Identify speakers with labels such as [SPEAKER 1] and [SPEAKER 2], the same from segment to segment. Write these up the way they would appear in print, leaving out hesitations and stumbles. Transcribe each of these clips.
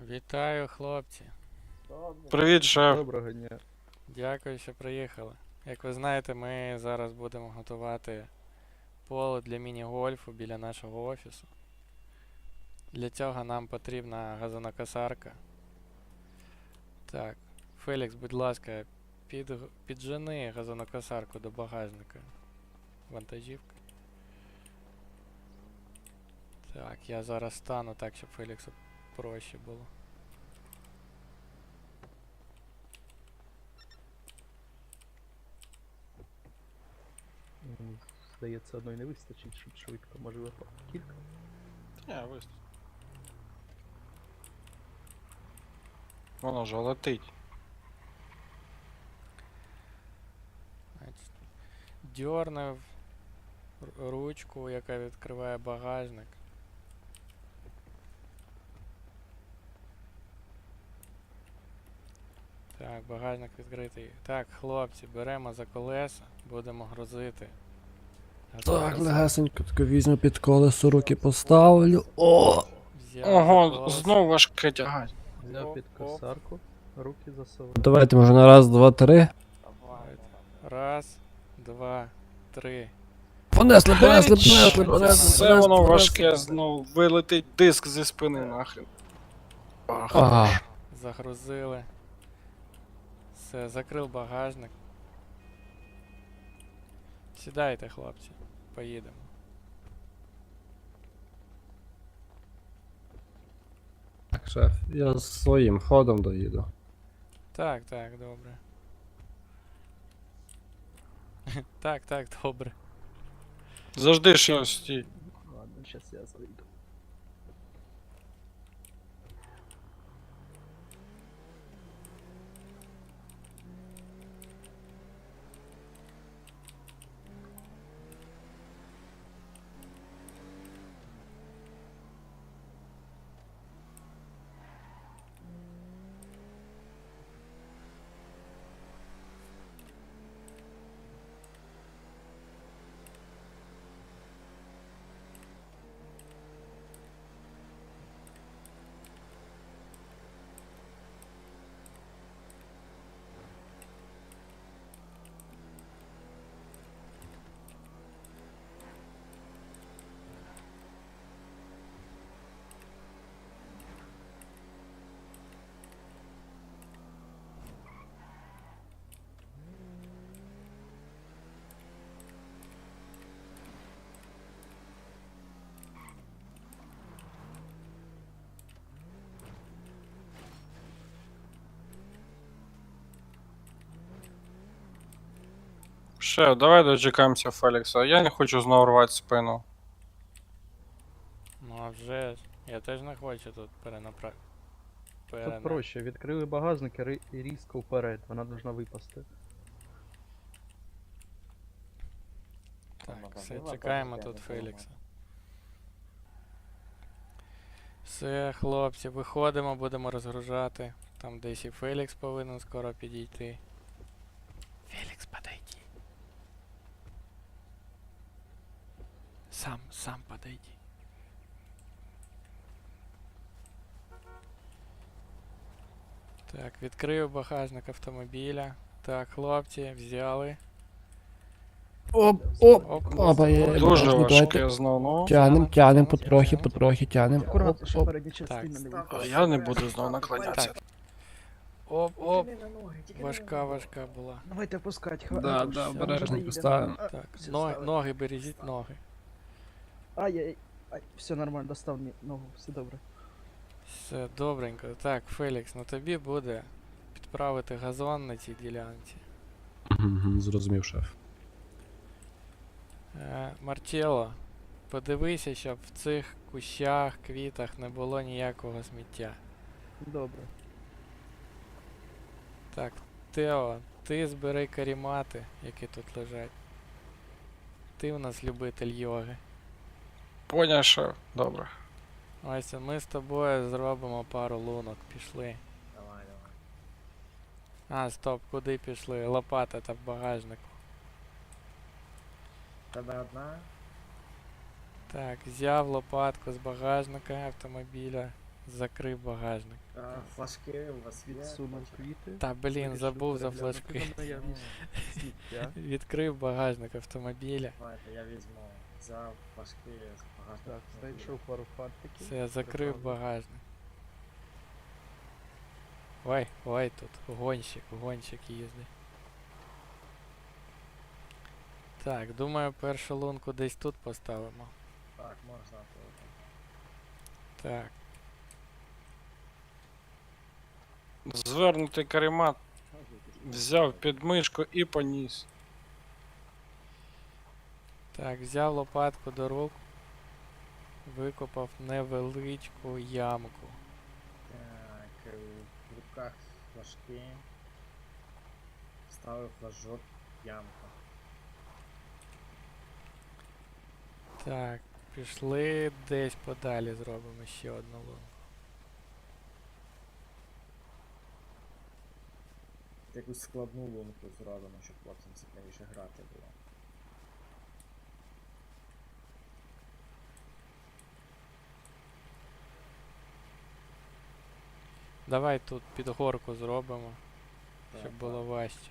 [SPEAKER 1] Вітаю, хлопці.
[SPEAKER 2] Привіт, шеф.
[SPEAKER 3] Доброго дня.
[SPEAKER 1] Дякую, що приїхали. Як ви знаєте, ми зараз будемо готувати поле для міні-гольфу біля нашого офісу. Для цього нам потрібна газонокосарка. Так, Фелікс, будь ласка, піджени газонокосарку до багажника. Вантажівка. Так, я зараз стану так, щоб Феліксу проще було.
[SPEAKER 3] Здається, одної не вистачить, щоб швидко, можливо, кілька.
[SPEAKER 2] Виступ. Воно ж летить.
[SPEAKER 1] Дьорнув ручку, яка відкриває багажник. Так, багажник відкритий. Так, хлопці, беремо за колеса, будемо грузити.
[SPEAKER 4] Так, легесенько тако візьму під колесо, руки поставлю. О!
[SPEAKER 1] Взяв за
[SPEAKER 2] Ого,
[SPEAKER 1] колеса.
[SPEAKER 2] знов важке тягать.
[SPEAKER 3] Взяв під
[SPEAKER 1] Оп, оп.
[SPEAKER 3] косарку, руки засовав.
[SPEAKER 4] Давайте може на раз, два, три.
[SPEAKER 1] Раз, два, три.
[SPEAKER 4] Понесли, понесли, понесли, понесли.
[SPEAKER 2] Все воно важке, знов вилетить диск зі спини нахрен.
[SPEAKER 4] Ага.
[SPEAKER 1] Загрузили. Все, закрив багажник. Сідайте, хлопці, поїдемо.
[SPEAKER 4] Так, шеф, я своїм ходом доїду.
[SPEAKER 1] Так, так, добре. Так, так, добре.
[SPEAKER 2] Завжди щось стій.
[SPEAKER 3] Ладно, зараз я зайду.
[SPEAKER 2] Шеф, давай дочекаємося Фелікса. Я не хочу знову рвати спину.
[SPEAKER 1] Ну а вже ж. Я теж не хочу тут перенаправити.
[SPEAKER 3] Тут проще, відкрили багажник і різко вперед, вона должна випасти.
[SPEAKER 1] Так, все, чекаємо тут Фелікса. Все, хлопці, виходимо, будемо розгружати. Там десь і Фелікс повинен скоро підійти. Фелікс, подойди. Сам подойди. Так, відкрив багажник автомобіля. Так, хлопці, взяли.
[SPEAKER 4] Оп, оп,
[SPEAKER 1] Оп,
[SPEAKER 4] опа, є.
[SPEAKER 2] Дуже
[SPEAKER 4] Давайте.
[SPEAKER 2] важке знов, ну.
[SPEAKER 4] Тянем, потрохи тянем.
[SPEAKER 3] Акуратно, щоб
[SPEAKER 4] Оп,
[SPEAKER 3] передня частина не
[SPEAKER 2] А
[SPEAKER 3] випала.
[SPEAKER 2] я не буду знову наклонятися.
[SPEAKER 1] Оп, важка була.
[SPEAKER 3] Давайте опускать,
[SPEAKER 4] Да,
[SPEAKER 3] все,
[SPEAKER 4] обережно
[SPEAKER 3] вже
[SPEAKER 4] поставимо.
[SPEAKER 3] їде.
[SPEAKER 1] Так,
[SPEAKER 3] все,
[SPEAKER 1] ноги,
[SPEAKER 3] ставимо.
[SPEAKER 1] ноги бережіть ноги.
[SPEAKER 3] Ай, все нормально, достав мені ногу, все добре.
[SPEAKER 1] Все добренько. Так, Фелікс, на тобі буде підправити газон на цій ділянці.
[SPEAKER 4] Зрозумів, шеф.
[SPEAKER 1] Марчелло, подивися, щоб в цих кущах, квітах не було ніякого сміття.
[SPEAKER 3] Добре.
[SPEAKER 1] Так, Тео, ти збери карімати, які тут лежать. Ти у нас любитель йоги.
[SPEAKER 2] Поняв, шеф. Добре.
[SPEAKER 1] Ось ми з тобою зробимо пару лунок. Пішли.
[SPEAKER 5] Давай.
[SPEAKER 1] А, стоп, куди пішли? Лопата та в багажнику.
[SPEAKER 5] Тебе одна?
[SPEAKER 1] Так, взяв лопатку з багажника автомобіля. Закрив багажник.
[SPEAKER 5] Флажки у вас є?
[SPEAKER 3] Відсунув
[SPEAKER 5] Бачу.
[SPEAKER 3] квіти.
[SPEAKER 1] Та блін,
[SPEAKER 3] Вирішив
[SPEAKER 1] забув за
[SPEAKER 3] переглянути
[SPEAKER 1] флажки.
[SPEAKER 3] на наявність сміття.
[SPEAKER 1] Відкрив багажник автомобіля.
[SPEAKER 5] Давайте, я візьму. Взяв флажки з багажника.
[SPEAKER 3] Так, знайшов пару фантиків.
[SPEAKER 1] Все, закрив
[SPEAKER 3] Прибрав.
[SPEAKER 1] багажник. Ой, тут гонщик їздить. Так, думаю, першу лунку десь тут поставимо.
[SPEAKER 5] Так, можна.
[SPEAKER 1] Так,
[SPEAKER 2] Звернутий каремат взяв під мишку і поніс.
[SPEAKER 1] так, взяв лопатку до рук, викопав невеличку ямку.
[SPEAKER 5] Так, в руках флажки. Ставив флажок в ямку.
[SPEAKER 1] Так, пішли десь подалі зробимо ще одну лунку.
[SPEAKER 5] Якусь складну лунку зробимо, щоб хлопцям цікавіше грати було.
[SPEAKER 1] Давай тут під горку зробимо, щоб
[SPEAKER 5] Так,
[SPEAKER 1] було важче.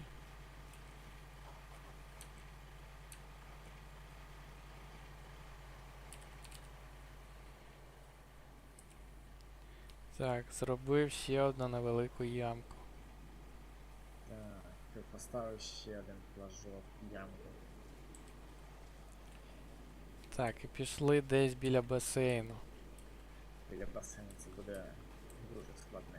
[SPEAKER 1] Так, зробив ще одну невелику ямку.
[SPEAKER 5] Так, поставив ще один флажок в ямку.
[SPEAKER 1] Так, і пішли десь біля басейну.
[SPEAKER 5] Біля басейну це буде дуже складне.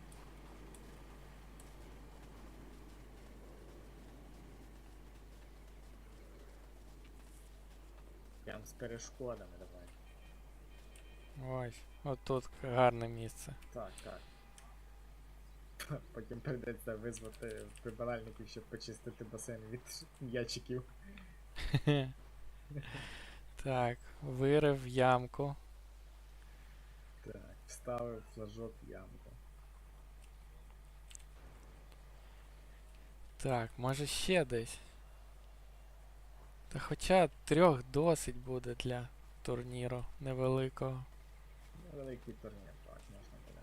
[SPEAKER 5] Прям з перешкодами давай.
[SPEAKER 1] Ось, отут гарне місце.
[SPEAKER 5] Так, так. Потім прийдеться визвати прибиральників, щоб почистити басейн від м'ячиків.
[SPEAKER 1] Так, вирив ямку.
[SPEAKER 5] Так, вставив флажок в ямку.
[SPEAKER 1] Так, може ще десь. Та хоча 3 досить буде для турніру невеликого.
[SPEAKER 5] Великий турнір, так, можна буде.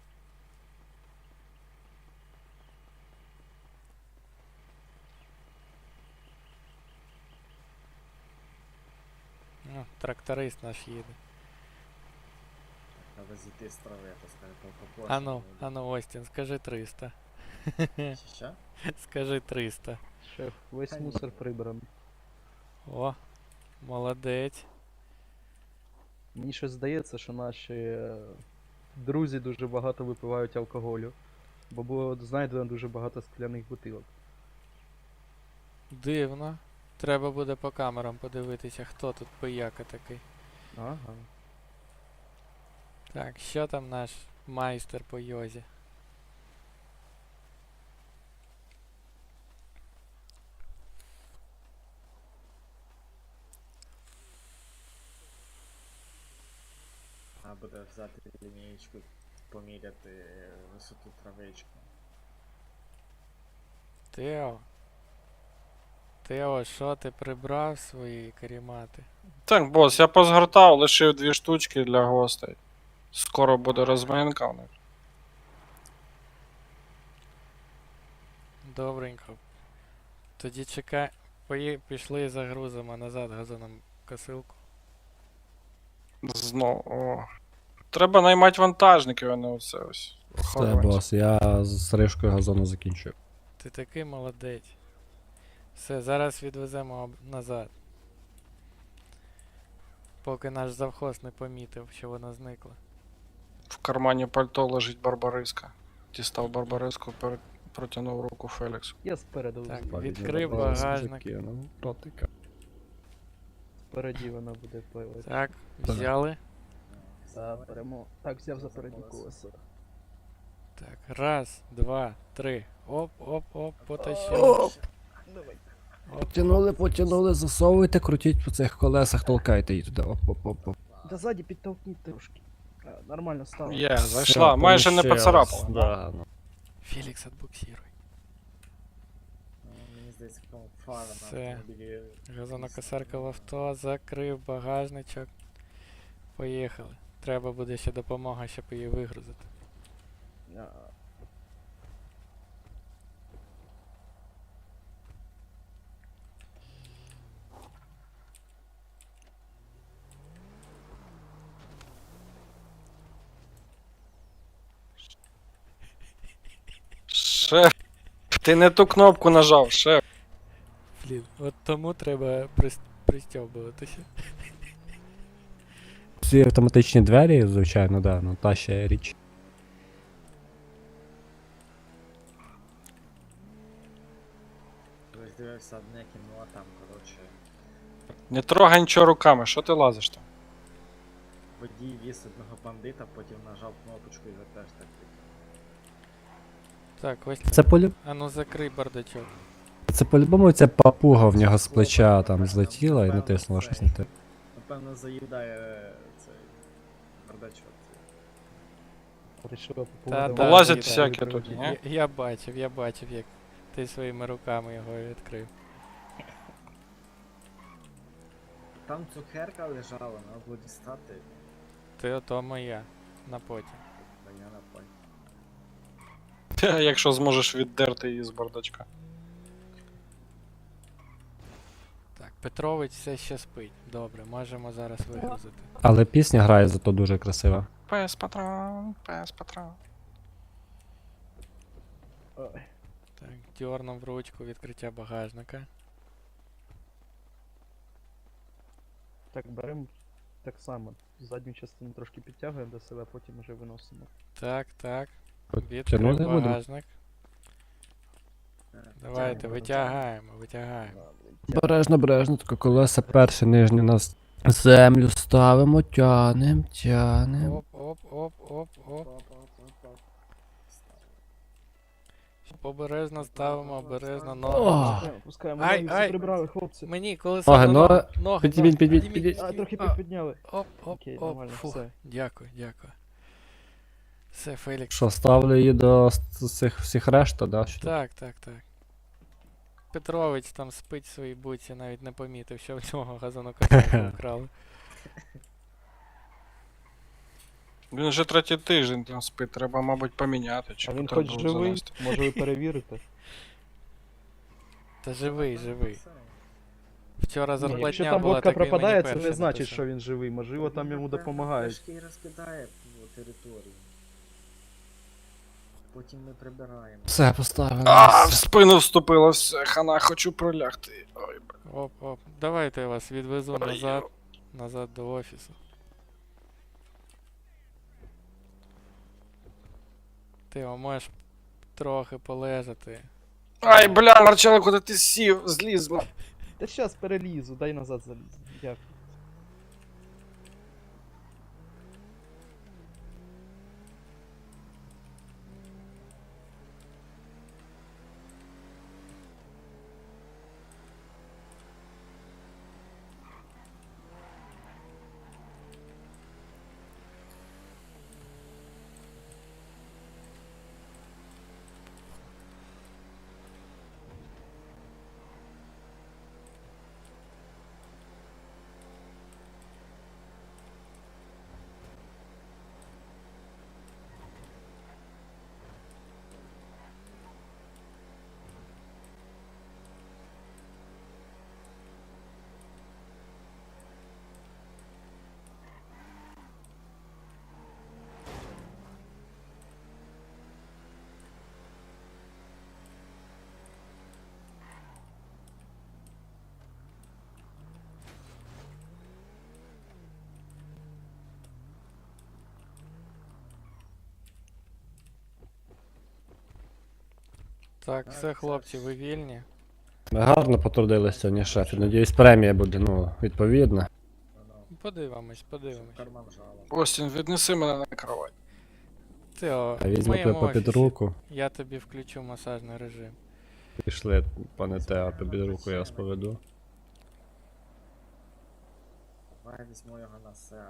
[SPEAKER 1] Ну, тракторист наш їде.
[SPEAKER 5] Треба зійти з трави, то скажу, попозже.
[SPEAKER 1] Ану, Остін, скажи 300.
[SPEAKER 5] Що?
[SPEAKER 1] Скажи 300.
[SPEAKER 3] Шеф, весь
[SPEAKER 5] Та ні.
[SPEAKER 3] мусор прибраний.
[SPEAKER 1] О, молодець.
[SPEAKER 3] Мені щось здається, що наші друзі дуже багато випивають алкоголю. Бо було знайдено дуже багато скляних бутилок.
[SPEAKER 1] Дивно. Треба буде по камерам подивитися, хто тут пияка такий.
[SPEAKER 3] Ага.
[SPEAKER 1] Так, що там наш майстер по йозі?
[SPEAKER 5] Треба буде взяти лінієчку, поміряти висоту травички.
[SPEAKER 1] Тео, що ти прибрав свої карімати?
[SPEAKER 2] Так, бос, я позгортав, лишив 2 штучки для гостей. Скоро буде розминка в них.
[SPEAKER 1] Добренько. Тоді чекай. Пішли загрузимо назад газоном косилку.
[SPEAKER 2] Знову. О. Треба наймати вантажників, а не оце ось.
[SPEAKER 4] Все,
[SPEAKER 2] охоронців.
[SPEAKER 4] бос, я з стрижкою газону закінчив.
[SPEAKER 1] Ти такий молодець. Все, зараз відвеземо назад. Поки наш завхоз не помітив, що вона зникла.
[SPEAKER 2] В кармані пальто лежить Барбариска. Дістав Барбариску, протягнув руку Феліксу.
[SPEAKER 3] Я спереду.
[SPEAKER 1] Так,
[SPEAKER 3] спереді.
[SPEAKER 1] відкрив багажник.
[SPEAKER 4] Закинув ротика.
[SPEAKER 3] Спереді вона буде пливати.
[SPEAKER 1] Так, взяли.
[SPEAKER 3] Та беремо. Так, взяв за передні колеса.
[SPEAKER 1] Так, раз, два, три. Оп, оп, оп, потащили.
[SPEAKER 4] Оп!
[SPEAKER 3] Давай.
[SPEAKER 4] Потянули, засовуйте, крутіть по цих колесах, толкайте її туди. Оп.
[SPEAKER 3] Да ззаді підтовкніть трошки. Нормально стало.
[SPEAKER 2] Є, зайшла, майже не поцарапала.
[SPEAKER 4] Да, ну.
[SPEAKER 1] Фелікс, отбуксируй.
[SPEAKER 5] Мені здається, в тому фара на
[SPEAKER 1] Все.
[SPEAKER 5] автомобілі.
[SPEAKER 1] Газонокосарка в авто, закрив багажничок. Поїхали. треба буде ще допомога, щоб її вигрузити.
[SPEAKER 3] А,
[SPEAKER 2] Шеф, ти не ту кнопку нажав, шеф.
[SPEAKER 1] Блін, от тому треба пристьобуватися.
[SPEAKER 4] Ці автоматичні двері, звичайно, да, ну та ще річ.
[SPEAKER 5] Ось дивився одне кіно, а там, коротше,
[SPEAKER 2] Не трогай нічого руками, що ти лазиш там?
[SPEAKER 5] водій віз одного бандита, потім нажав кнопочку і його теж так
[SPEAKER 1] Так, ось
[SPEAKER 4] Це полю...
[SPEAKER 1] А ну закрий бардачок.
[SPEAKER 4] Це по-любому ця папуга в нього з плеча там злетіла і натиснула щось на те.
[SPEAKER 5] Напевно, заїдає цей бардачок.
[SPEAKER 3] Вирішила
[SPEAKER 1] Та,
[SPEAKER 3] попробувати.
[SPEAKER 1] та,
[SPEAKER 2] Лазять
[SPEAKER 1] Віта,
[SPEAKER 2] всякі тут, ні?
[SPEAKER 1] Я бачив, як ти своїми руками його відкрив.
[SPEAKER 5] Там цукерка лежала, треба було дістати,
[SPEAKER 1] Ти ото моя. На потім.
[SPEAKER 5] а я на пой.
[SPEAKER 2] Якщо зможеш віддерти її з бардачка.
[SPEAKER 1] Так, Петрович все ще спить. Добре, можемо зараз вигрузити.
[SPEAKER 4] Але пісня грає зато дуже красиво.
[SPEAKER 2] Пес патрон, пес патрон.
[SPEAKER 3] Ой,
[SPEAKER 1] Так, дьорнув ручку відкриття багажника.
[SPEAKER 3] Так, беремо так само. Задню частину трошки підтягуємо до себе, потім вже виносимо.
[SPEAKER 1] Так, так.
[SPEAKER 4] Тягнути
[SPEAKER 1] Відкрив
[SPEAKER 4] будемо?
[SPEAKER 1] багажник. Давайте, витягаємо.
[SPEAKER 4] Бережно, бережно, тако колеса перше нижнє нас землю ставимо, тянем.
[SPEAKER 1] Оп. Обережно ставимо, обережно
[SPEAKER 4] Ох.
[SPEAKER 1] ноги.
[SPEAKER 3] Пускаємо,
[SPEAKER 1] Ай,
[SPEAKER 3] ноги
[SPEAKER 1] ай.
[SPEAKER 3] всі прибрали, хлопці.
[SPEAKER 1] Мені колесо
[SPEAKER 4] Ноги,
[SPEAKER 1] на
[SPEAKER 4] ноги.
[SPEAKER 1] ноги.
[SPEAKER 4] Підійміть.
[SPEAKER 3] А, трохи підняли.
[SPEAKER 1] Оп.
[SPEAKER 3] Окей, нормально,
[SPEAKER 1] Фух.
[SPEAKER 3] все.
[SPEAKER 1] Дякую. Все, Фелікс.
[SPEAKER 4] Що, ставлю її до цих всіх решта, да? Що?
[SPEAKER 1] Так. Петрович там спить в своїй буці, навіть не помітив, що в нього газонокосарку вкрали.
[SPEAKER 2] Він вже третій тиждень там спить, треба, мабуть, поміняти. Чи
[SPEAKER 3] А він
[SPEAKER 2] треба
[SPEAKER 3] хоч
[SPEAKER 2] було
[SPEAKER 3] живий?
[SPEAKER 2] занести.
[SPEAKER 3] Може ви перевірите?
[SPEAKER 1] Та живий. Вчора
[SPEAKER 3] Ні, якщо
[SPEAKER 1] зарплатня
[SPEAKER 3] там
[SPEAKER 1] була,
[SPEAKER 3] водка
[SPEAKER 1] так він мені
[SPEAKER 3] пропадає, це
[SPEAKER 1] перший
[SPEAKER 3] не значить,
[SPEAKER 1] написав.
[SPEAKER 3] що він живий. Можливо, там йому допомагають.
[SPEAKER 5] Трошки і розкидає по території. Потім ми прибираємо.
[SPEAKER 4] Все, поставили.
[SPEAKER 2] А, в спину вступило, все, хана, хочу пролягти. Ой,
[SPEAKER 1] Оп. Давайте я вас відвезу
[SPEAKER 2] бля.
[SPEAKER 1] назад до офісу. Ти можеш трохи полежати.
[SPEAKER 2] Ай, бля, Марчело, куди ти сів? Зліз.
[SPEAKER 3] Та щас перелізу, дай назад залізу. Дякую.
[SPEAKER 1] Так, все, хлопці, ви вільні.
[SPEAKER 4] Ми гарно потрудилися сьогодні, шеф. І, надіюсь, премія буде, ну, відповідна.
[SPEAKER 1] Подивимось.
[SPEAKER 5] Карман жала.
[SPEAKER 2] Остін, віднеси мене на кровать.
[SPEAKER 1] Тео,
[SPEAKER 4] А
[SPEAKER 1] в
[SPEAKER 4] візьму
[SPEAKER 1] моєму
[SPEAKER 4] тебе під
[SPEAKER 1] офісі
[SPEAKER 4] руку.
[SPEAKER 1] я тобі включу масажний режим.
[SPEAKER 4] Пішли, пане Тео, під руку я вас поведу.
[SPEAKER 5] Давай візьму його на себе.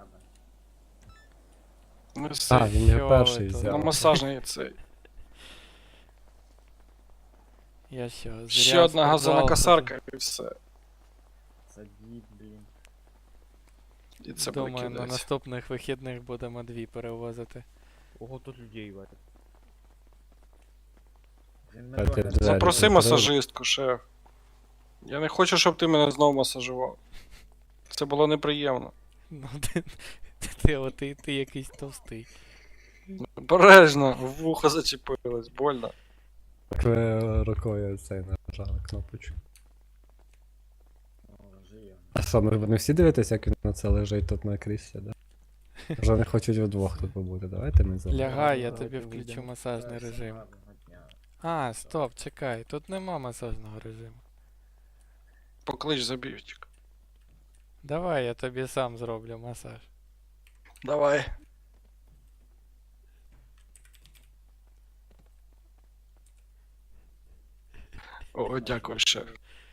[SPEAKER 2] Ну все,
[SPEAKER 4] А, він його
[SPEAKER 1] Що
[SPEAKER 4] перший
[SPEAKER 1] ви тут?
[SPEAKER 2] на
[SPEAKER 4] взяв.
[SPEAKER 2] масажний цей.
[SPEAKER 1] Я що,
[SPEAKER 2] Ще
[SPEAKER 1] зря в
[SPEAKER 2] одна
[SPEAKER 1] спортзал
[SPEAKER 2] газонокосарка і все.
[SPEAKER 5] Це дід, блін.
[SPEAKER 2] І це
[SPEAKER 1] Думаю, на
[SPEAKER 2] кидать.
[SPEAKER 1] наступних вихідних будемо 2 перевозити.
[SPEAKER 6] Ого, тут людей варять.
[SPEAKER 5] Він
[SPEAKER 4] А ти
[SPEAKER 5] мене
[SPEAKER 4] двері
[SPEAKER 2] Запроси
[SPEAKER 4] закрив?
[SPEAKER 2] масажистку, шеф. Я не хочу, щоб ти мене знову масажував. Це було неприємно.
[SPEAKER 1] Ну, ти якийсь товстий.
[SPEAKER 2] Обережно, в вухо зачепилось, больно.
[SPEAKER 4] Так ви рукою цей нажали кнопочку.
[SPEAKER 5] живе.
[SPEAKER 4] А що, ми не всі дивитесь, як він на це лежить тут на кріслі, да? Вже вони хочуть вдвох тут побути. Давайте ми залишимо.
[SPEAKER 1] Лягай, я
[SPEAKER 6] Давайте
[SPEAKER 1] тобі включу
[SPEAKER 6] вийдемо.
[SPEAKER 1] масажний
[SPEAKER 5] Всім
[SPEAKER 1] режим.
[SPEAKER 5] гарного дня.
[SPEAKER 1] А, стоп, чекай, тут нема масажного режиму.
[SPEAKER 2] Поклич забівчик.
[SPEAKER 1] Давай я тобі сам зроблю масаж.
[SPEAKER 2] Давай. О, дякую, шеф.